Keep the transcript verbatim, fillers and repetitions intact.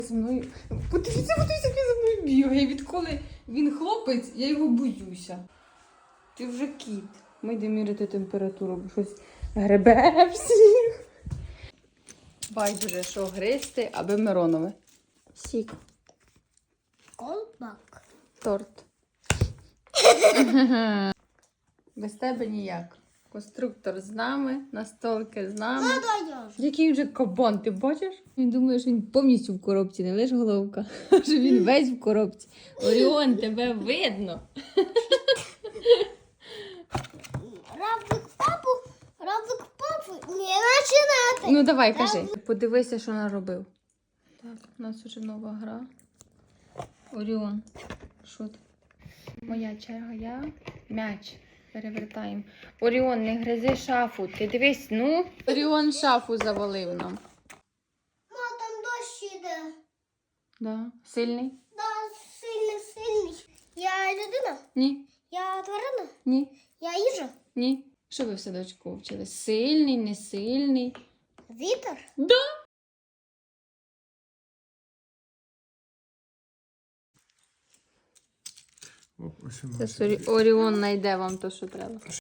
Зі мною. Подивіться, подивіться, як він за мною бігає. Відколи він хлопець, я його боюся. Ти вже кіт. Ми йдемо міряти температуру, бо щось гребе всіх. Байдуже, що гристи, аби Миронове. Сік. Колпак. Торт. Без тебе ніяк. Конструктор з нами, настолки з нами. Даєш. Який вже кабан, ти бачиш? Він думає, що він повністю в коробці, не лише головка, а що він весь в коробці. Оріон, тебе видно. Равлик папу, равлик папу. Не починати. Ну давай, кажи. Подивися, що наробив. Так, у нас вже нова гра. Оріон. Що ти? Моя черга, я м'яч. Перевертаємо. Оріон, не гризи шафу. Ти дивись, ну. Оріон шафу завалив нам. Ма, там дощ іде. Да. Сильний? Да, сильний, сильний. Я людина? Ні. Я тварина? Ні. Я їжа? Ні. Що ви в садочку вчили? Сильний, не сильний? Вітер? Да. Оп, ось воно. Це Оріон знайде вам то, що треба.